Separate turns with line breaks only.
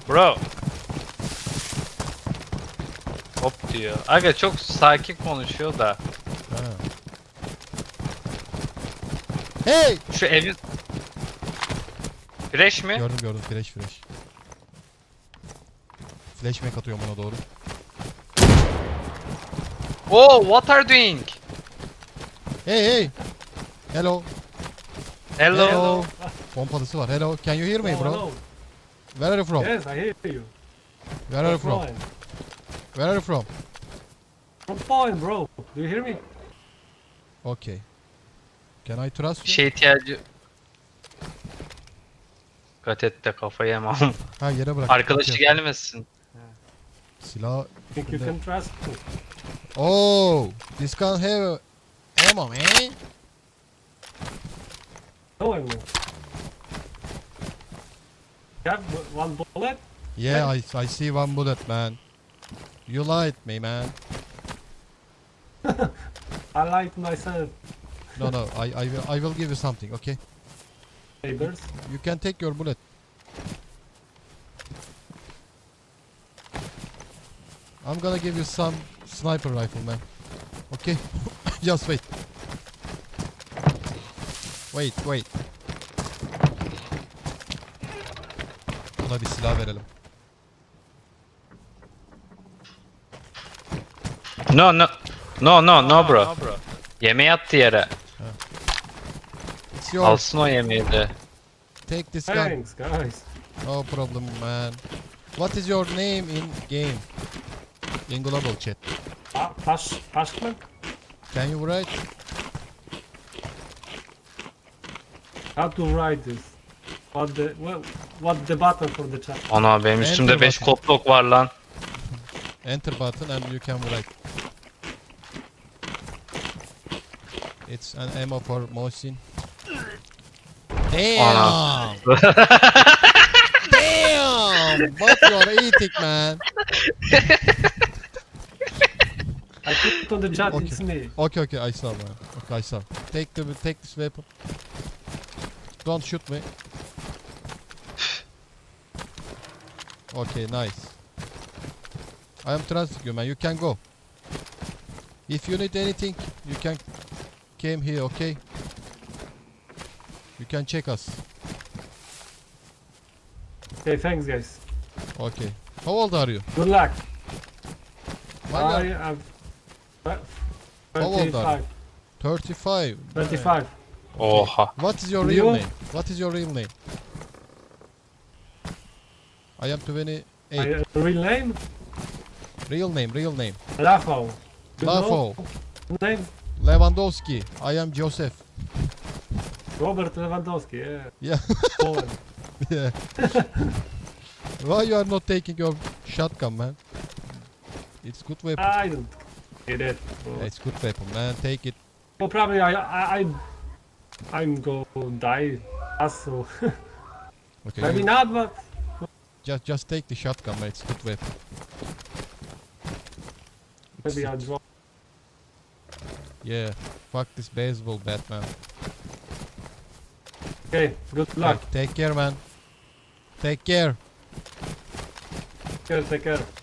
Bro. Hop diyor. Aga çok sakin konuşuyor da.
Ha. Hey!
Şu evin... Fresh mi?
Gördüm flash. Flashback atıyorum ona doğru.
Oh, what are you doing?
Hey! Hello.
Hello.
Pompalısı var. Hello. Can you hear me
Oh,
bro?
hello.
Where are you from?
Yes, I hear you.
Where are you from?
Fine.
Where are you from?
From Poland, bro. Do you hear me?
Okay. Can I trust
Bir
you?
şey ihtiyacı... Dikkat et de kafayı yemem.
Ha yere bırak.
Arkadaşı
Okay.
gelmesin.
Silah.
Think you can trust me?
Oh! This can have ammo man.
No, I will. You have one bullet?
Yeah, I see one bullet man. You lied me man.
I lied to myself.
No, I will give you something, okay?
Neighbors.
You can take your bullet. I'm gonna give you some sniper rifle, man. Okay? Just wait. Wait. Buna bir silah verelim.
No bro. Yemeği attı yere.
It's yours.
Alsın o yemeği de.
Take this gun.
Thanks, guys.
No problem, man. What is your name in game? In global chat.
Pashman?
Can you write?
How to write this? What the button for the chat?
Ana benim üstümde
Enter
5
button.
kotlok var lan.
Enter button and you can write. It's an ammo for Mohsin. Damn! Damn! What you are eating, man?
I put on the chat,
Okay.
it's me.
Okay, I saw, man. Okay, I saw. Take this weapon. Don't shoot me. Okay, nice. I am trusting you, man. You can go. If you need anything, you can came here, okay? You can check us.
Okay, thanks, guys.
Okay. How old are you?
Good luck.
Why
I
you are
am
How old are
35.
35.
25.
Oha.
What is your
You?
real name? What is your real name? I am 28.
My real name?
Real name.
Rafał. You
Rafał.
know name?
Lewandowski. I am Joseph.
Robert Lewandowski, yeah.
Yeah.
Poland.
Yeah. Why you are not taking your shotgun, man? It's good weapon.
I don't get it. Bro.
It's good weapon, man. Take it.
Well, probably I'm gonna die. Also,
Okay.
maybe
you-
not, but
just take the shotgun, man. It's good weapon.
maybe I'll drop.
Yeah. Fuck this baseball bat, man.
Okay, good luck.
Take care, man. Take care.
Take care.